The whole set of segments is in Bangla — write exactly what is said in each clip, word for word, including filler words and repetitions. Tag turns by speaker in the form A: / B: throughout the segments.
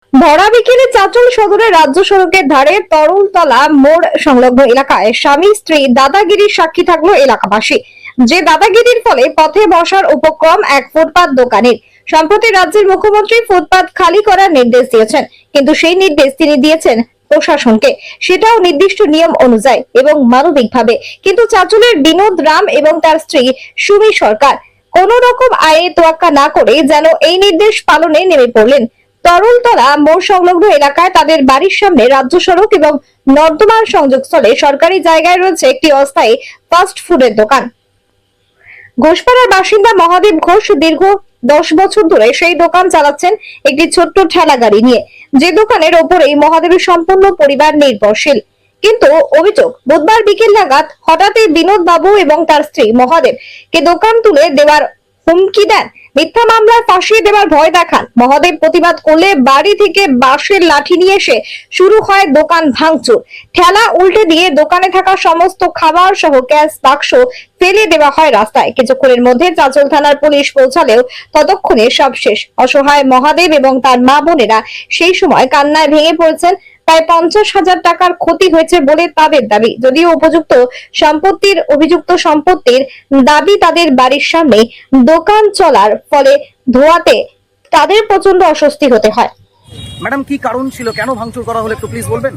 A: ভরা বিকেলে চাঁচল সদরের রাজ্য সড়কের ধারে তরলতলা মোড় সংলগ্ন এলাকায় স্বামী স্ত্রী দাদাগিরির সাক্ষী থাকলো এলাকাবাসী। যে দাদাগিরির ফলে পথে বসার উপক্রম এক ফুটপাত দোকানের। সম্প্রতি রাজ্যের মুখ্যমন্ত্রী ফুটপাত খালি করার নির্দেশ দিয়েছেন, কিন্তু সেই নির্দেশ তিনি দিয়েছেন প্রশাসনকে, সেটাও নির্দিষ্ট নিয়ম অনুযায়ী এবং মানবিকভাবে। কিন্তু চাঁচলের বিনোদ রাম এবং তার স্ত্রী সুমি সরকার কোন রকম আইনে তোয়াক্কা না করে যেন এই নির্দেশ পালনে নেমে পড়লেন। তরলতলা মোড় সংলগ্ন এলাকায় তাদের বাড়ির সামনে রাজ্য সড়ক এবং নর্দমার সংযোগস্থলে সরকারি জায়গায় রয়েছে একটি অস্থায়ী ফাস্ট ফুডের দোকান। ঘোষপাড়ার বাসিন্দা মহাদেব ঘোষ দীর্ঘ দশ বছর ধরে সেই দোকান চালাচ্ছেন একটি ছোট্ট ঠেলা গাড়ি নিয়ে, যে দোকানের ওপরেই মহাদেবের সম্পূর্ণ পরিবার নির্ভরশীল। কিন্তু অভিযোগ, বুধবার বিকেল নাগাদ হঠাৎই বিনোদ বাবু এবং তার স্ত্রী মহাদেব কে দোকান তুলে দেওয়ার হুমকি দেন, মিথ্যা মামলায় ফাঁসিয়ে দেওয়ার ভয় দেখান। মহাদেব প্রতিবাদ করলে বাড়ি থেকে বাঁশের লাঠি নিয়ে এসে শুরু হয় দোকান ভাঙচুর। ঠেলা উল্টে দিয়ে দোকানে থাকা সমস্ত খাবার সহ গ্যাস বাক্স ফেলে দেওয়া হয় রাস্তায়। কিছুক্ষণের মধ্যে চাঁচল থানার পুলিশ পৌঁছালেও ততক্ষণে সব শেষ। অসহায় মহাদেব এবং তার মা বোনেরা সেই সময় কান্নায় ভেঙে পড়েছেন। প্রায় পঞ্চাশ হাজার টাকার ক্ষতি হয়েছে বলে তাদের দাবি। যদিও উপযুক্ত সম্পত্তির অভিযুক্ত সম্পত্তির দাবি তাদের বাড়ির সামনে দোকান চলার ফলে ধোয়াতে তাদের প্রচন্ড অস্বস্তি হতে হয়।
B: ম্যাডাম, কি কারণ ছিল, কেন ভাঙচুর করা হলো একটু প্লিজ বলবেন?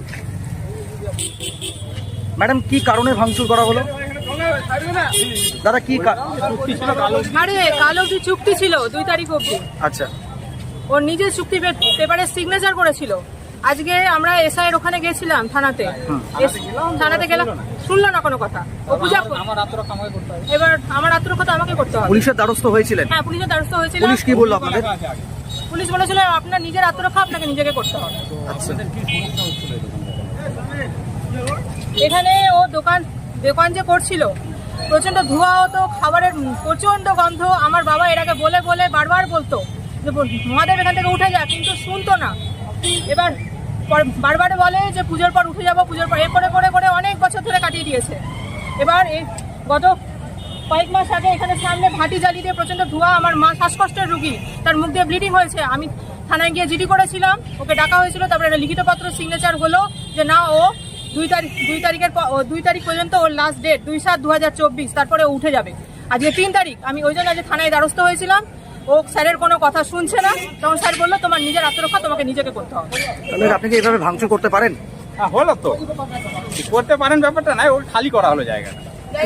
B: ম্যাডাম, কি কারণে ভাঙচুর করা হলো? দাদা, কি চুক্তি ছিল?
C: আরে কাল অবধি চুক্তি ছিল, দুই তারিখ অবধি।
B: আচ্ছা,
C: ওর নিজের চুক্তি পেপারে সিগনেচার করেছিল। আজকে আমরা এসআই এর ওখানে গেছিলাম থানাতে, থানাতে গেলাম, শুনলো না কোনো কথা। ও পূজা আমার আত্মরক্ষা আমাকে করতে হবে, এবার আমার আত্মরক্ষা তো আমাকে করতে হবে।
B: পুলিশের দ্বারস্থ হয়েছিলেন?
C: হ্যাঁ, পুলিশের দ্বারস্থ হয়েছিল।
B: পুলিশ কি বললো আপনাদের?
C: পুলিশ বলেছিল আপনার নিজের আত্মরক্ষা আপনাকে নিজেকে করতে হবে।
B: আচ্ছা,
C: এখানে ও দোকান দোকান যে করছিল, প্রচন্ড ধোঁয়া হতো, খাবারের প্রচন্ড গন্ধ। আমার বাবা এর আগে বলে বলে বারবার বলতো যে মহাদেব এখান থেকে উঠে যা, কিন্তু শুনতো না। এবার বারবার বলে যে পুজোর পর উঠে যাবো, পুজোর পর এ করে করে করে অনেক বছর ধরে কাটিয়ে দিয়েছে। এবার এই গত কয়েক মাস আগে এখানে সামনে ভাটি জ্বালিয়ে দিয়ে প্রচন্ড ধোঁয়া, আমার মা শ্বাসকষ্টের রুগী, তার মুখ দিয়ে ব্লিডিং হয়েছে। আমি থানায় গিয়ে জিডি করেছিলাম, ওকে ডাকা হয়েছিল। তারপরে একটা লিখিত পত্র সিগনেচার হলো যে না, ও দুই তারিখ দুই তারিখের দুই তারিখ পর্যন্ত ওর লাস্ট ডেট দুই সাত দু হাজার চব্বিশ, তারপরে উঠে যাবে। আজকে তিন তারিখ, আমি ওই জন্য আজকে থানায় দ্বারস্থ হয়েছিলাম। ও স্যারের কোনো কথা শুনছে না, তখন স্যার বললো তোমার নিজের আত্মরক্ষা তোমাকে নিজেকে করতে হবে।
B: তাহলে আপনি কি এভাবে ভাঙচুর করতে পারেন?
D: হ্যাঁ, হলো তো, করতে পারেন, ব্যাপারটা নাই, ওর খালি করা হলো জায়গাটা।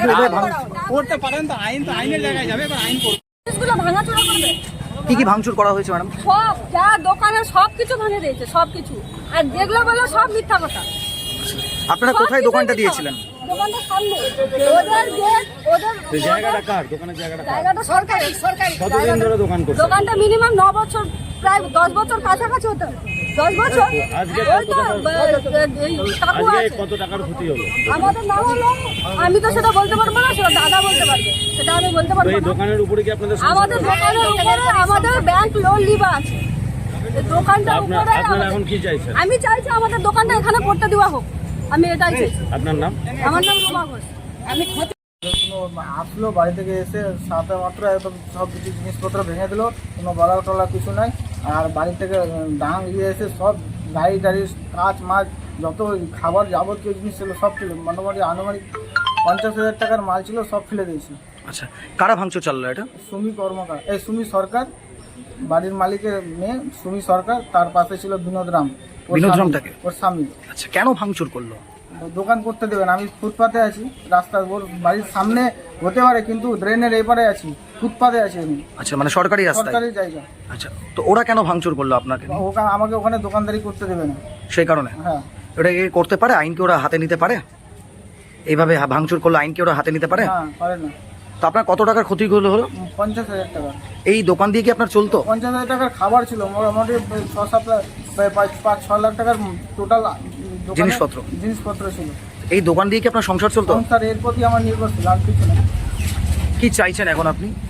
D: করতে পারেন তো, আইন তো আইনের জায়গায় যাবে, এবার আইন করবে।
C: ভাঙাচোরা করবে।
B: কি কি ভাঙচুর করা হয়েছে ম্যাডাম?
C: সব যা দোকানের সবকিছু ভাঙে দিয়েছে, সবকিছু। আর যেগুলো বললো সব মিথ্যা কথা।
B: আপনারা কোথায় দোকানটা দিয়েছিলেন?
C: দোকানটা সামনে, ওদের গেট, ওদের
D: এই জায়গাটা কার? দোকানের জায়গাটা কার?
C: জায়গাটা সরকারি, সরকারি।
D: কতদিন ধরে দোকান করছে?
C: দোকানটা মিনিমাম ন বছর, প্রায় দশ বছর কাছাকাছি হতো। দশ বছর।
D: আজকে
C: ওই তো, এই কাকু
D: আজকে
C: আছে।
D: কত টাকার ক্ষতি হলো?
C: আমাদের নাম হলো, আমি তো সেটা বলতে পারবো না, সেটা দাদা বলতে পারবে, সেটা আমি বলতে
D: তো
C: পারবো
D: এই
C: না।
D: দোকানের উপরে কি আপনাদের সংসার
C: আমাদের
D: চলে?
C: দোকানের উপরে আমাদের ব্যাংক লোন লিবা আছে। এই দোকানটার
D: আপনার-
C: উপরে
D: আপনারা
C: আমাদের-
D: এখন কি চাইছেন?
C: আমি চাইছি আমাদের দোকানটা এখানে করতে দেওয়া হোক, আমি এটাই চাইছি।
D: আপনার নাম?
C: আমার নাম রুমা ঘোষ। আমি ক্ষতি
E: আসলো বাড়ি থেকে এসে সাথে মাত্র একদম সব কিছু জিনিসপত্র ভেঙে দিল, কোনো বলা টলা কিছু নাই। আর বাড়ি থেকে ডাং দিয়ে এসে সব গাড়ি টাড়ি কাঁচ মাছ যত খাবার যাবতীয় জিনিস ছিল সব ছিল, মোটামুটি আনুমানিক পঞ্চাশ হাজার টাকার মাল ছিল, সব ফেলে দিয়েছি।
B: আচ্ছা, কারা ভাঙচুর চাললো এটা?
E: সুমি কর্মকার, এই সুমি সরকার, বাড়ির মালিকের মেয়ে সুমি সরকার, তার পাশে ছিল বিনোদ রাম, ওর
B: বিনোদ
E: স্বামী-
B: রামটাকে?
E: ওর স্বামী।
B: আচ্ছা, কেন ভাঙচুর করলো?
E: দোকান করতে দেবেন, আমি ফুটপাতে আছি, রাস্তার ওর বাড়ির সামনে হতে পারে, কিন্তু ড্রেনের এপারে আছি, ফুটপাতে আছি আমি,
B: আচ্ছা, মানে সরকারি রাস্তায়?
E: সরকারি জায়গা।
B: আচ্ছা, তো ওরা কেন ভাঙচুর করলো আপনাকে?
E: ওখানে আমাকে ওখানে দোকানদারি করতে দেবে না,
B: সেই কারণে?
E: হ্যাঁ।
B: ওটা কি করতে পারে? আইনকে ওরা হাতে নিতে পারে? এইভাবে ভাঙচুর করলো, আইনকে ওরা হাতে নিতে পারে?
E: হ্যাঁ, পারে না।
B: তো আপনার কত টাকার ক্ষতি হলো হলো?
E: পঞ্চাশ হাজার টাকা।
B: এই দোকান দিয়ে কি আপনার চলতো?
E: পঞ্চাশ হাজার টাকার খাবার ছিল, মোটামুটি ছ সাত লাখ, প্রায় পাঁচ পাঁচ ছ লাখ টাকার টোটাল
B: জিনিসপত্র?
E: জিনিসপত্র ছিল।
B: এই দোকান দিয়ে কি আপনার সংসার চলতো?
E: সংসার এর প্রতি আমার নির্ভরশীল, আর কিছু না।
B: কি চাইছেন এখন আপনি?